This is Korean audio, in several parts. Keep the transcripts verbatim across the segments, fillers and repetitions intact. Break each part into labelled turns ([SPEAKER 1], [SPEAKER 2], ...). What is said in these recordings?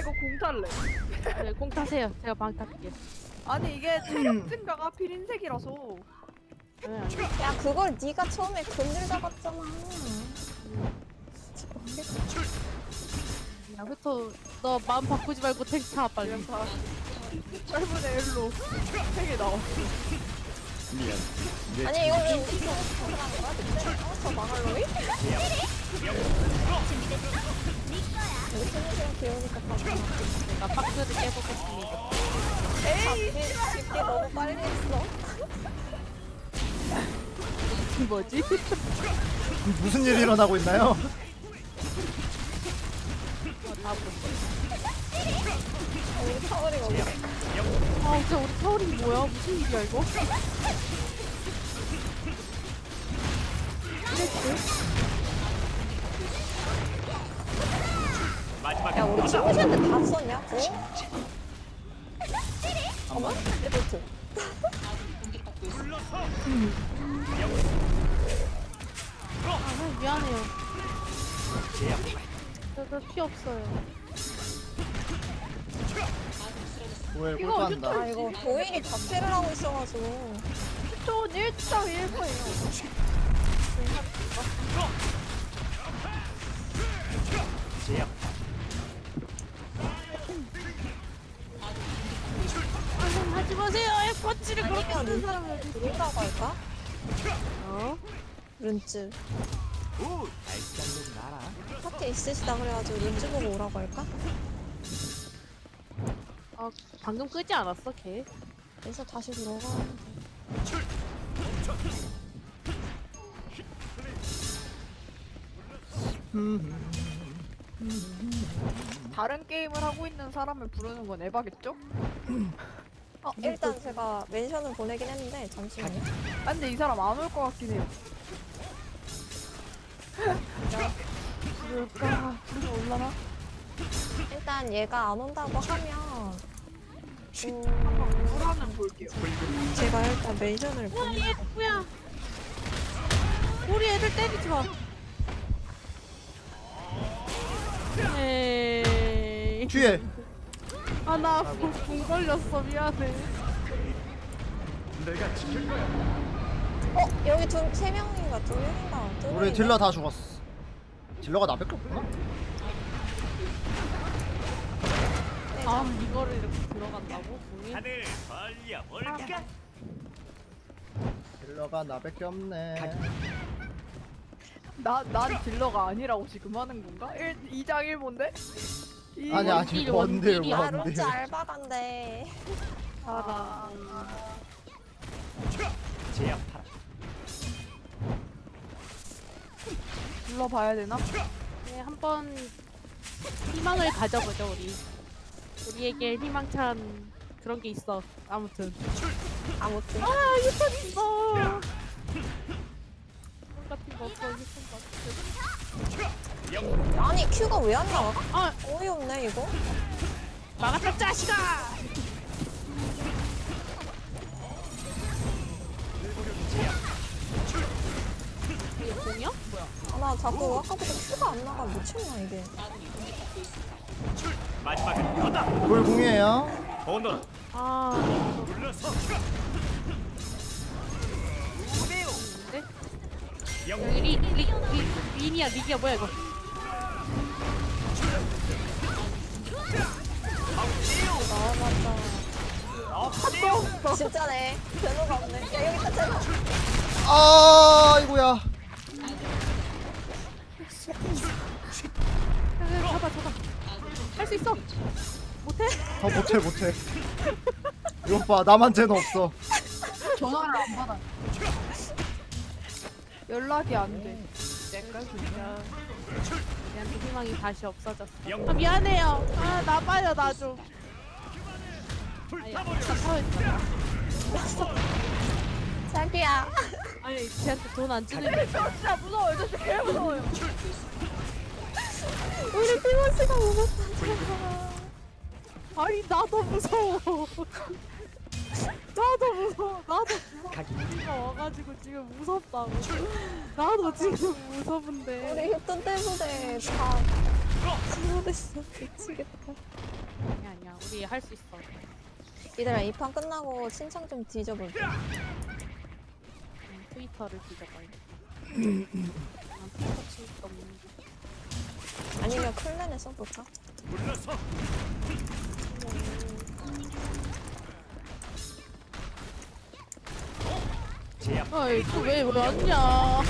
[SPEAKER 1] 이거 공 탈래.
[SPEAKER 2] 네, 공 타세요. 제가 방 탈게요.
[SPEAKER 1] 아니 이게 체력 증가가 필인색이라서.
[SPEAKER 2] 네, 아니,
[SPEAKER 3] 야 그걸 네가 처음에 근질 잡았잖아.
[SPEAKER 2] 야, 휘터, 너 마음 바꾸지 말고 택시 타, 빨리.
[SPEAKER 1] 그냥 다 팔분의 일로 색이 나왔어.
[SPEAKER 4] 미안. 내
[SPEAKER 3] 아니 이걸 왜 우리 팀에서 정상한 거야? 그때? 어? 저 망할 놈이? 우리 팀이랑 귀여우니까 봐봐.
[SPEAKER 2] 제가 박스를 깨보겠습니다.
[SPEAKER 1] 에이
[SPEAKER 3] 집게, 집게 너무 빨리 했어.
[SPEAKER 2] 이 뭐지?
[SPEAKER 5] 무슨 일이 일어나고 있나요?
[SPEAKER 2] 어, 다 보세요.
[SPEAKER 3] 어, 우리 타월이가 어디?
[SPEAKER 2] 아, 진짜 우리 타월이 뭐야? 무슨 일이야, 이거?
[SPEAKER 3] 야 우리 친구들한테 다 썼냐? 어? 어머? 레벨트.
[SPEAKER 2] 아, 미안해요. 저, 저 피 없어요.
[SPEAKER 5] 왜
[SPEAKER 1] 이거
[SPEAKER 5] 꼴찌한다.
[SPEAKER 3] 아 이거 도일이 자퇴를 하고 있어가지고.
[SPEAKER 1] 전 일 점 일 퍼예요.
[SPEAKER 2] 아, 좀 하지 마세요. 에퍼치를 그렇게
[SPEAKER 3] 아니면
[SPEAKER 2] 하는 사람을.
[SPEAKER 3] 룬다고 할까?
[SPEAKER 2] 어?
[SPEAKER 3] 룬즈. 파티 있으시다 그래가지고 룬즈 보고 오라고 할까?
[SPEAKER 2] 아, 방금 끄지 않았어, 걔?
[SPEAKER 3] 그래서 다시 들어가.
[SPEAKER 1] 다른 게임을 하고 있는 사람을 부르는 건 에바겠죠?
[SPEAKER 3] 어 일단 제가 멘션을 보내긴 했는데 잠시만요.
[SPEAKER 1] 아 근데 이 사람 안 올 것 같긴 해요. 부를까? 부르면 올라나?
[SPEAKER 3] 일단 얘가 안 온다고 하면 음,
[SPEAKER 1] 불하면 볼게요.
[SPEAKER 3] 제가 일단 멘션을
[SPEAKER 2] 야, 얘 누구야? 우리 애들 때리지 마. 에이.
[SPEAKER 5] 뒤에
[SPEAKER 2] 아, 나공 걸렸어. 미안해.
[SPEAKER 4] 내가 지킬 거야.
[SPEAKER 3] 어 여기 두 세 명인가 두 명인가 두
[SPEAKER 5] 우리
[SPEAKER 3] 명인가?
[SPEAKER 5] 딜러 다 죽었어. 딜러가 나밖에 없구나.
[SPEAKER 3] 네,
[SPEAKER 2] 아, 이거를 이렇게 들어간다고? 공이?
[SPEAKER 4] 하늘 벌려 볼까?
[SPEAKER 5] 딜러가 나밖에 없네.
[SPEAKER 1] 나, 난 딜러가 아니라고 지금 하는 건가? 일, 이 장 일 본데?
[SPEAKER 5] 아니 아니
[SPEAKER 2] 원딜,
[SPEAKER 5] 원딜
[SPEAKER 2] 원딜이야.
[SPEAKER 3] 아
[SPEAKER 5] 원딜.
[SPEAKER 3] 룬즈 알바간데.
[SPEAKER 1] 아,
[SPEAKER 4] 제압하라.
[SPEAKER 1] 불러봐야 되나?
[SPEAKER 2] 네, 한번 희망을 가져보죠, 우리. 우리에게 희망찬 그런 게 있어. 아무튼.
[SPEAKER 3] 아무튼
[SPEAKER 2] 아, 유턴 있어. 돈 같은 거 없어, 유턴 같은 거.
[SPEAKER 3] 아니 큐가 왜 안 나와?
[SPEAKER 2] 아,
[SPEAKER 3] 어이없네 이거.
[SPEAKER 2] 막았다, 짜식아! 이게 공이야? 뭐야?
[SPEAKER 3] 아, 나 자꾸 아까부터 큐가 안 나가 미쳤나 이게.
[SPEAKER 4] 마지막은 너다.
[SPEAKER 5] 돌궁이에요.
[SPEAKER 4] 오너
[SPEAKER 2] 아,
[SPEAKER 4] 불러서.
[SPEAKER 2] 근데?
[SPEAKER 4] 영웅
[SPEAKER 2] 여기 리, 리, 리, 린이야, 리기야, 뭐야, 이거?
[SPEAKER 3] 나와봤자. 진짜네. 제노가 없네. 야 여기 있다 제노.
[SPEAKER 5] 아 이거야.
[SPEAKER 2] 잡아, 잡아. 할 수 있어. 못해?
[SPEAKER 5] 더 못해 못해. 이거 봐 나만 쟤는 없어.
[SPEAKER 1] 전화를 안 받아. 연락이 안 돼.
[SPEAKER 2] 내가 진짜. 얘한테 희망이 다시 없어졌어.
[SPEAKER 4] 영-
[SPEAKER 2] 아, 미안해요. 아, 나 빠져, 나 좀. 아니, 아까 타워했잖아.
[SPEAKER 3] 자기야.
[SPEAKER 2] 아니, 쟤한테 돈 안 주는
[SPEAKER 1] 저 진짜 무서워요. 저 진짜 개 무서워요.
[SPEAKER 3] 우리 피머스가 오겠다.
[SPEAKER 2] 아니, 나도 무서워. 나도 무서워. 나도 주먹이가 와가지고 지금 무섭다고. 나도 지금 무서운데.
[SPEAKER 3] 우리 휴ton 때문에 다 잘못했어. 미치겠다.
[SPEAKER 2] 아니야 아니야 우리 할 수 있어.
[SPEAKER 3] 얘들아 이 판 끝나고 신청 좀 뒤져볼게.
[SPEAKER 2] 응, 트위터를 뒤져봐요. 난 트위터 친구도 없는데.
[SPEAKER 3] 아니면 클랜에 써볼까?
[SPEAKER 4] 물러서. 제압.
[SPEAKER 2] 아이 또왜 왔냐?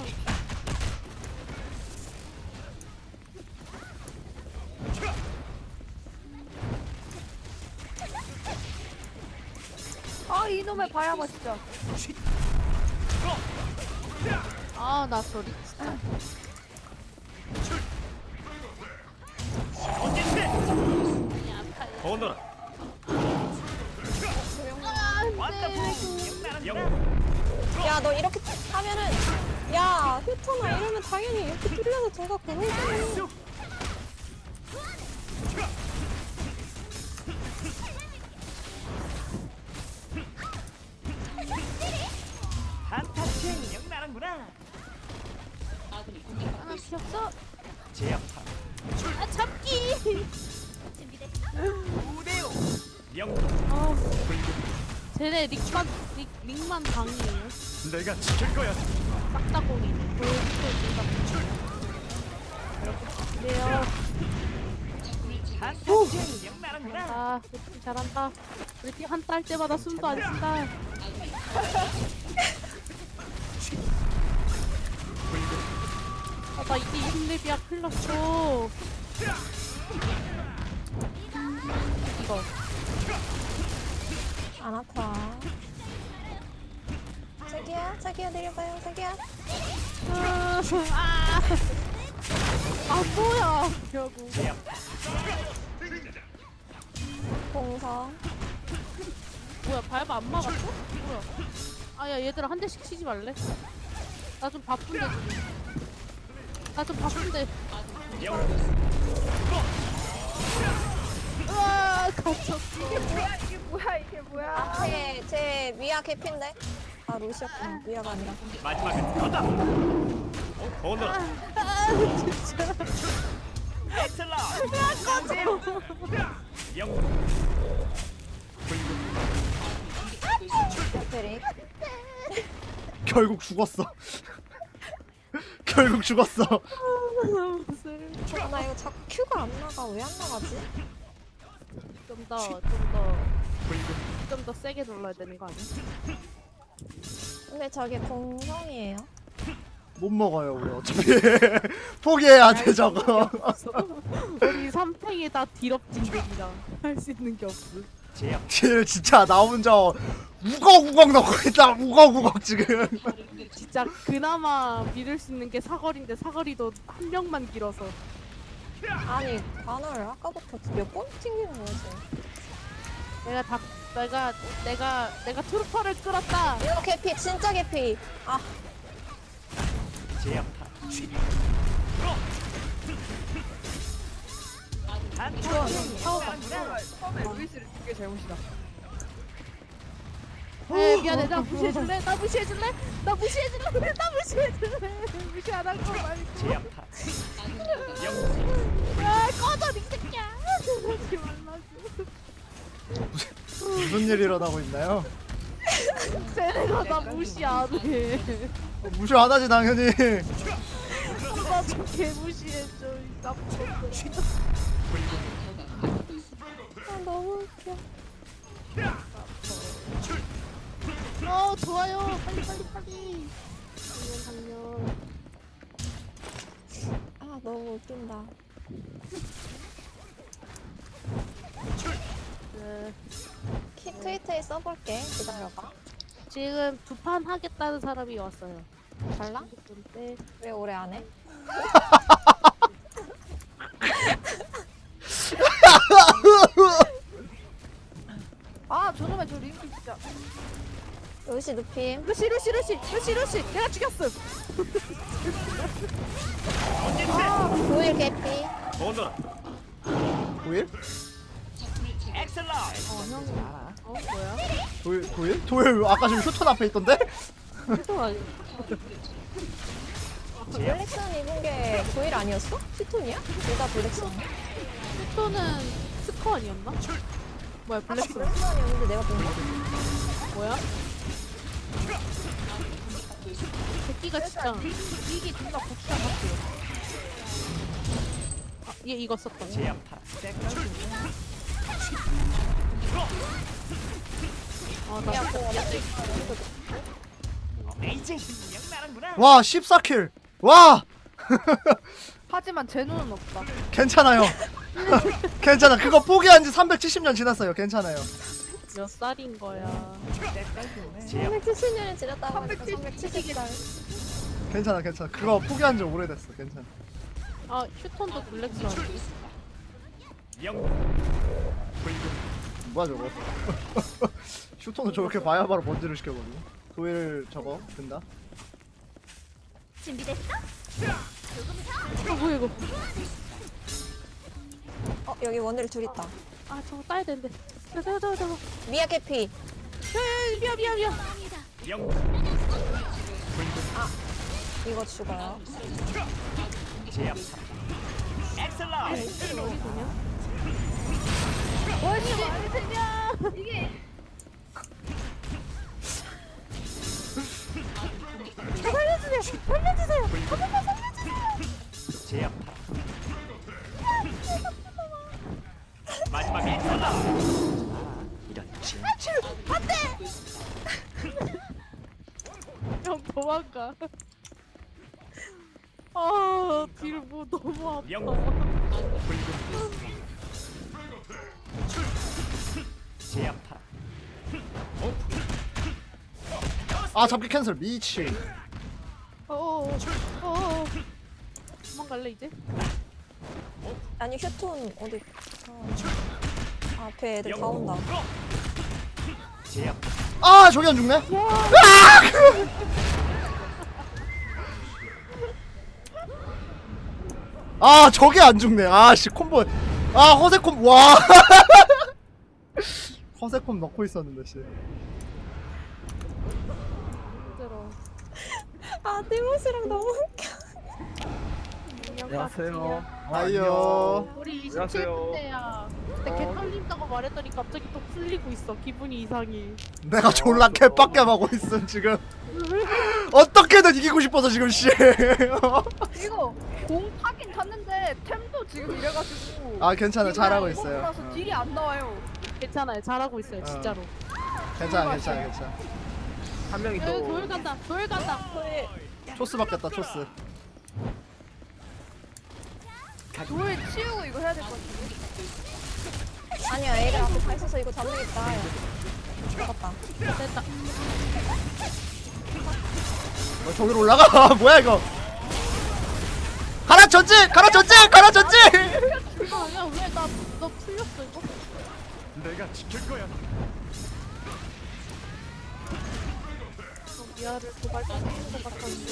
[SPEAKER 1] 아 이놈의 바야바 진짜.
[SPEAKER 2] 아나 저리 진짜.
[SPEAKER 4] 오너라. 왔다. 영웅.
[SPEAKER 3] 야 너 이렇게 하면은 야 휴터나 이러면 당연히 이렇게 뚫려서 제가 고르잖아.
[SPEAKER 4] 한타치 영 나는구나.
[SPEAKER 2] 하나 피었어?
[SPEAKER 4] 제압하라.
[SPEAKER 2] 아 잡기.
[SPEAKER 4] 우대요. 영웅.
[SPEAKER 2] 아 쟤네 릭만 릭 릭만 방이에요.
[SPEAKER 4] 내가 지킬 거야.
[SPEAKER 2] 싹다 공이네. 그래요.
[SPEAKER 4] 한타치 영 나는구나.
[SPEAKER 2] 아, 우리 팀 잘한다. 우리 팀 한타 할 때마다 숨도 안 쉰다. 아, 나 이게 이십 렙이야. 큰일 났어. 이거.
[SPEAKER 3] 안 아파. 자기야 자기야 내려봐요 자기야.
[SPEAKER 2] 아, 아, 아 뭐야. 결국.
[SPEAKER 4] 제압.
[SPEAKER 3] 공성.
[SPEAKER 2] 뭐야, 밟아 안 막았어? 뭐야. 아, 야, 얘들아, 한 대씩 치지 말래? 나 좀 바쁜데, 지금. 나 좀 바쁜데.
[SPEAKER 4] 영웅.
[SPEAKER 2] 으아, 갇혔어.
[SPEAKER 1] 이게 뭐야 이게 뭐야 이게 뭐야.
[SPEAKER 3] 앞에 제 미아 개피인데. 아 루시였구나. 미아가 아니라.
[SPEAKER 4] 마지막은 거다. 오너라.
[SPEAKER 2] 아, 진짜.
[SPEAKER 4] 엑셀라. 영웅.
[SPEAKER 3] 페릭.
[SPEAKER 5] 결국 죽었어. 결국 죽었어.
[SPEAKER 2] 무슨.
[SPEAKER 3] 아, 나 이거 자꾸 큐가 안 나가. 왜 안 나가지?
[SPEAKER 2] 좀 더, 좀 더, 좀 더 세게 눌러야 되는 거 아니야?
[SPEAKER 3] 근데 저게 공성이에요.
[SPEAKER 5] 못 먹어요 우리 어차피. 포기해야 돼 저거.
[SPEAKER 2] 우리 삼탱이 다 디럽진들이라 할 수 있는 게 없어.
[SPEAKER 4] 제압.
[SPEAKER 5] 쟤 진짜 나 혼자 우걱우걱 넣고 있다. 우걱우걱 지금.
[SPEAKER 2] 진짜 그나마 믿을 수 있는 게 사거리인데 사거리도 한 명만 길어서.
[SPEAKER 3] 아니 관을 아까부터 몇 번 튕기는 거야 지금.
[SPEAKER 2] 내가 다 내가 내가 내가 트루퍼를 끌었다.
[SPEAKER 3] 이거 개피 진짜 개피. 아
[SPEAKER 4] 제압하라. 한타치 영 나는구나.
[SPEAKER 1] 처음에 루이스를 준게 잘못이다.
[SPEAKER 2] 에 미안해 나 무시해줄래? 나 무시해줄래? 나 무시해줄래? 나 무시해줄래? 무시 안 할 거 말고.
[SPEAKER 4] 제압하라. 영웅.
[SPEAKER 2] 야 꺼져 이 새끼야. 하지 말라고.
[SPEAKER 5] 무슨 일이 일어나고 있나요?
[SPEAKER 2] 쟤네가 나 무시 안 해.
[SPEAKER 5] 어, 무시 안 하지 당연히.
[SPEAKER 2] 나좀 개무시해줘 이 나쁜 것들아.
[SPEAKER 3] 아, 너무 웃겨.
[SPEAKER 2] 어 좋아요 빨리 빨리 빨리. 당연 당연.
[SPEAKER 3] 아 너무 웃긴다.
[SPEAKER 2] 네.
[SPEAKER 3] 키 트위터에 써볼게. 기다려봐.
[SPEAKER 2] 지금 두 판 하겠다는 사람이 왔어요.
[SPEAKER 3] 달라?
[SPEAKER 2] 근데
[SPEAKER 3] 왜 오래 안 해?
[SPEAKER 1] 아 저놈의 저 링크 진짜.
[SPEAKER 3] 루시 눕힘.
[SPEAKER 1] 루시 루시 루시 루시 루시 내가 죽였음.
[SPEAKER 3] 도일 개피.
[SPEAKER 4] 오너라.
[SPEAKER 5] 도일?
[SPEAKER 4] 엑셀라.
[SPEAKER 2] 어형 어 뭐야?
[SPEAKER 5] 도일? 도일? 도일 아까 지금 휴턴 앞에 있던데?
[SPEAKER 2] 또 아니.
[SPEAKER 3] 블랙선 입은 게 도일 아니었어? 피톤이야? 둘 다 블랙선.
[SPEAKER 2] 슈터는 스커 아니었나? 뭐야 블랙스
[SPEAKER 3] 블랙선이었는데 내가 본 거?
[SPEAKER 2] 뭐야? 새끼가 진짜
[SPEAKER 1] 이게 존나 고추장 같아요.
[SPEAKER 2] 아, 얘 이거 썼다.
[SPEAKER 4] 제압하라.
[SPEAKER 2] 아나
[SPEAKER 3] 야, 그거
[SPEAKER 4] 이제 그냥 나는구나.
[SPEAKER 5] 와 십사 킬. 와
[SPEAKER 1] 하지만 제 눈은 없다.
[SPEAKER 5] 괜찮아요. 괜찮아. 그거 포기한 지 삼백칠십 년 지났어요. 괜찮아요.
[SPEAKER 2] 몇 살인 거야?
[SPEAKER 4] 제압.
[SPEAKER 3] 삼백칠십 년이 지났다고 하니까
[SPEAKER 1] 삼백칠십
[SPEAKER 3] 삼백칠십 살.
[SPEAKER 5] 괜찮아 괜찮아. 그거 포기한 지 오래됐어. 괜찮아.
[SPEAKER 2] 아 슈턴도 블랙스 아니지?
[SPEAKER 4] 영.
[SPEAKER 5] 뭐야 저거. 슈터는 저렇게 봐야 바로 번지를 시켜버리고. 도일 저거 된다.
[SPEAKER 2] 아 뭐야 이거?
[SPEAKER 3] 어 여기 원딜 둘 있다.
[SPEAKER 2] 아 저거 따야 되는데. 저거 저거 저거.
[SPEAKER 3] 미야 캐피.
[SPEAKER 2] 야야 미안 미안 미안.
[SPEAKER 4] 영.
[SPEAKER 3] 이거 죽어요.
[SPEAKER 4] 제압하라. 엑셀라.
[SPEAKER 2] 어디 도냐?
[SPEAKER 1] 뭐지 말이냐? 이게
[SPEAKER 2] 살려주세요! 살려주세요! 한 번만 살려주세요!
[SPEAKER 4] 제압하라. 마지막 엑셀라. 이런 진짜.
[SPEAKER 2] 형 도망가. 아, 뒤를 뭐 너무 아파.
[SPEAKER 4] 영. 제압하라.
[SPEAKER 5] 아 잡기 캔슬 미치.
[SPEAKER 2] 어어, 어어. 도망갈래 이제?
[SPEAKER 3] 아니 휴톤 어디? 아, 앞에 애들 다 온다.
[SPEAKER 4] 제압.
[SPEAKER 5] 아 저기 안 죽네. 아 저게 안 죽네. 아씨 콤보. 아 허세 콤. 와. 허세 콤 넣고 있었는데 씨.
[SPEAKER 2] 힘들어.
[SPEAKER 3] 아 티모시랑 너무 웃겨.
[SPEAKER 6] 안녕하세요.
[SPEAKER 5] 아이요.
[SPEAKER 2] 우리
[SPEAKER 6] 안녕하세요.
[SPEAKER 2] 이십칠 분대야. 근데 개 털린다고 말했더니 갑자기 또 풀리고 있어. 기분이 이상해.
[SPEAKER 5] 내가 졸라 개빡겜하고 있음 지금. 어떻게든 이기고 싶어서 지금 씨.
[SPEAKER 1] 이거 공 타긴 탔는데 템도 지금 이래가지고.
[SPEAKER 5] 아 괜찮아 잘하고
[SPEAKER 1] 이거
[SPEAKER 5] 있어요.
[SPEAKER 1] 라서
[SPEAKER 5] 어.
[SPEAKER 1] 딜이 안 나와요.
[SPEAKER 2] 괜찮아요. 잘하고 있어요.
[SPEAKER 5] 어.
[SPEAKER 2] 진짜로.
[SPEAKER 5] 괜찮아 괜찮아 괜찮아.
[SPEAKER 6] 한 명이
[SPEAKER 2] 야,
[SPEAKER 6] 또
[SPEAKER 2] 돌 간다. 돌 간다.
[SPEAKER 5] 초스 받겠다 초스.
[SPEAKER 1] 돌 치우고 이거 해야 될 것 같은데.
[SPEAKER 3] 아니야 애들 앞에 다 있어서 이거 잡는겠다. 잡았다.
[SPEAKER 2] 됐다.
[SPEAKER 5] 어, 저기로 올라가. 뭐야 이거. 가라 전진 가라 전진 가라 전진.
[SPEAKER 2] 아니야 왜 나 너 풀렸어 이거?
[SPEAKER 4] 내가 지킬 거야.
[SPEAKER 2] 너 미아를 도발시키는 것 같았는데.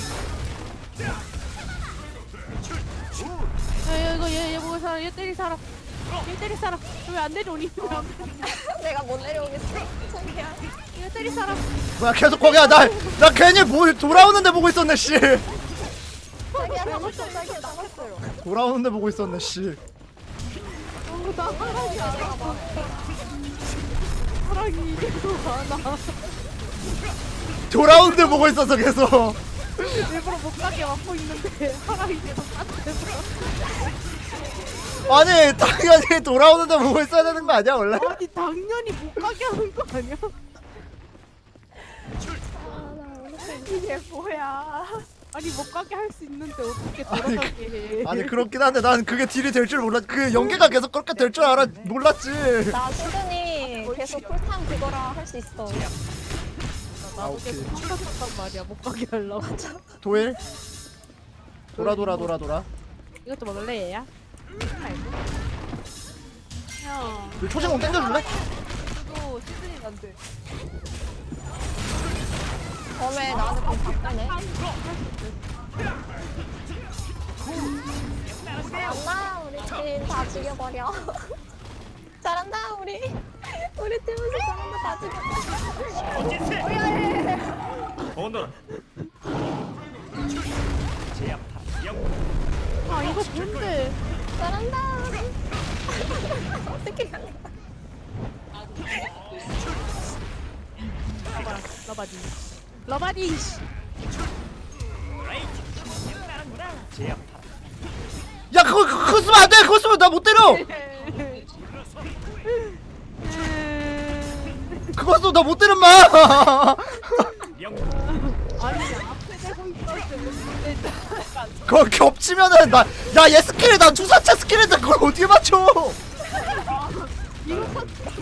[SPEAKER 2] 야야 이거 얘얘 보고 살아. 얘 때리 살아. 얘 때리 살아. 왜 안 내려오니? 왜안 내려오니?
[SPEAKER 3] 내가 못 내려오겠어. 창피야.
[SPEAKER 2] 얘 때리 살아.
[SPEAKER 5] 뭐야 계속 거기야. 나 나 괜히 뭐 돌아오는데 보고 있었네 씨.
[SPEAKER 3] 자기야 잡았어. 자기야 잡았어요.
[SPEAKER 5] 돌아오는데 보고 있었네 씨.
[SPEAKER 2] 어, 나 사랑이 안 나. 사랑이 이래서 많아.
[SPEAKER 5] 돌아오는데 보고 있었어 계속.
[SPEAKER 2] 일부러 못 가게 막고 있는데 사랑이 계속 딴데서.
[SPEAKER 5] 아니 당연히 돌아오는데 보고 있어야 되는 거 아니야 원래?
[SPEAKER 2] 아니 당연히 못 가게 하는 거 아니야?
[SPEAKER 1] 이게 뭐야?
[SPEAKER 2] 아니 못 가게 할 수 있는데 어떻게 돌아가게 해?
[SPEAKER 5] 아니 그렇긴 한데 난 그게 딜이 될 줄 몰랐. 그 연계가 계속 그렇게 될 줄 알아 몰랐지.
[SPEAKER 3] 나 수준이 계속 풀탐 그거라 할 수 있어.
[SPEAKER 2] 나도
[SPEAKER 5] 오케이.
[SPEAKER 2] 계속 한가졌단 말이야 못 가게 하려고.
[SPEAKER 5] 도일. 돌아 돌아 돌아 돌아.
[SPEAKER 2] 이것도 먹을래 얘야? 형.
[SPEAKER 5] 이 초진공 땡겨줄래?
[SPEAKER 1] 그래도 시즌이 안 돼.
[SPEAKER 3] 범에 나한테 좀 바꾸네. 잘한다 우리 팀 다 죽여버려. 잘한다 우리. 우리 팀에서 잘한다 다 죽여.
[SPEAKER 4] 어디세? 오늘 제압파 영
[SPEAKER 2] 아 이거 뭔데?
[SPEAKER 3] 잘한다. 어떻게 가냐?
[SPEAKER 2] 러바디. 러바디. 씨.
[SPEAKER 4] 제압파
[SPEAKER 5] 야 그거 그거 그거 쓰면 안돼 그거 쓰면 나 못 때려 그거 쓰면 나 못 때려 마
[SPEAKER 4] 영
[SPEAKER 2] 아니 앞에 대고 있었는데.
[SPEAKER 5] 그거 겹치면은 나야얘 스킬이 나 주사체 스킬인데 그걸 어떻게 맞춰
[SPEAKER 2] 이거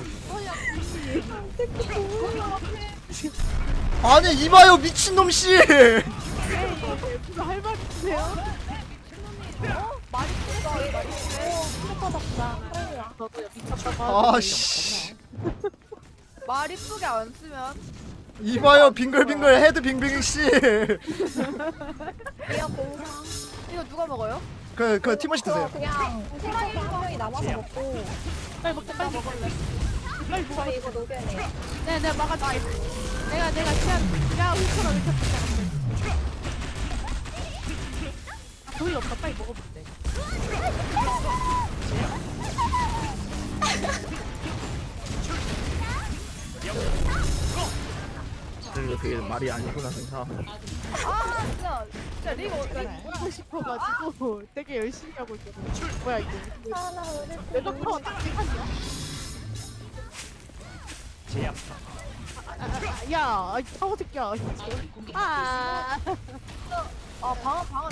[SPEAKER 5] 아니 이봐요 미친놈씨
[SPEAKER 2] 할 말 있으세요?
[SPEAKER 1] 말이 크다 말이 크네.
[SPEAKER 3] 슬퍼졌다. 그래요.
[SPEAKER 2] 저도요 미쳤다고.
[SPEAKER 5] 아씨
[SPEAKER 1] 말 이쁘게 안 쓰면
[SPEAKER 5] 이봐요 빙글빙글 헤드 빙빙씨
[SPEAKER 3] 이어 공상.
[SPEAKER 1] 이거 누가 먹어요?
[SPEAKER 5] 그 그 티모시
[SPEAKER 3] 저
[SPEAKER 5] 드세요
[SPEAKER 3] 그냥 팀원이 한 명이 남아서 먹고
[SPEAKER 2] 빨리 먹자 빨리 먹을래. 빨리 먹어.
[SPEAKER 3] 저희 이거 녹여내요.
[SPEAKER 2] 네, 내가 막아줄게. 내가 내가 시간 내가 휘처럼 이렇게 붙잡았어. 아, 돈이 없다. 빨리 먹어보면 돼.
[SPEAKER 6] 그리고 그게 말이 아니구나 생사.
[SPEAKER 1] 아 진짜 진짜 리그 어떻게
[SPEAKER 2] 하고 싶어가지고 되게 열심히 하고 있거든. 뭐야 이거?
[SPEAKER 3] 하나 우리
[SPEAKER 2] 내 덕분에 딱히 하냐?
[SPEAKER 4] 제압파
[SPEAKER 2] 아, 아, 야, 이 사고 새끼야. 아,
[SPEAKER 1] 아 방어 방어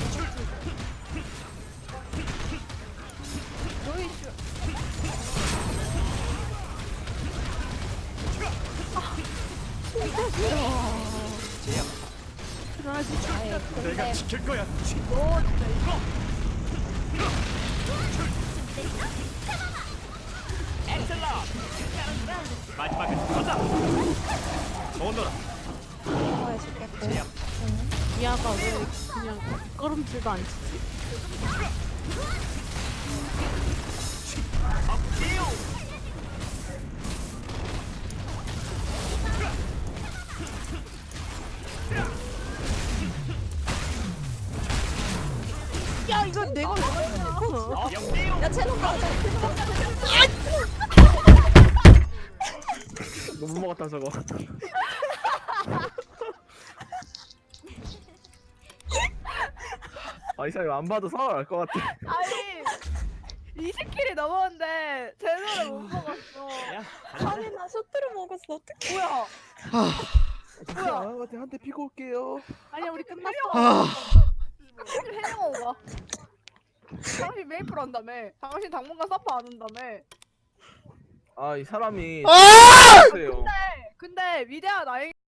[SPEAKER 1] 너희 슈
[SPEAKER 4] 제압파
[SPEAKER 3] 아예
[SPEAKER 4] 내가
[SPEAKER 3] 근데
[SPEAKER 4] 지킬 거야
[SPEAKER 1] 너 진짜 이거
[SPEAKER 4] 마지막에 터져 오너라
[SPEAKER 3] 이거 해줄게.
[SPEAKER 4] 제압
[SPEAKER 2] 미아가 왜 그냥 걸음질도 안 치지? 야, 이건 내가 왜 그러냐?
[SPEAKER 3] 야 채널 가자.
[SPEAKER 6] 너못 먹었다 저거. 아, 이 사람이 안 봐도 상을 알 것 같아.
[SPEAKER 1] 아니 이 스킬이 넘었는데 제대로 못 먹었어.
[SPEAKER 3] 아니 나 쇼트를 먹었어. 어떡해.
[SPEAKER 1] 뭐야? 뭐야?
[SPEAKER 6] 아, 한대 피고 올게요.
[SPEAKER 2] 아니야, 우리 끝났어.
[SPEAKER 5] 아
[SPEAKER 1] 당신 해영어가. 당신 메이플 한다며. 당신 당분간 서퍼 안 한다며.
[SPEAKER 6] 아, 이 사람이
[SPEAKER 5] 아!
[SPEAKER 6] 세요.
[SPEAKER 1] 근데 근데 위대한 아이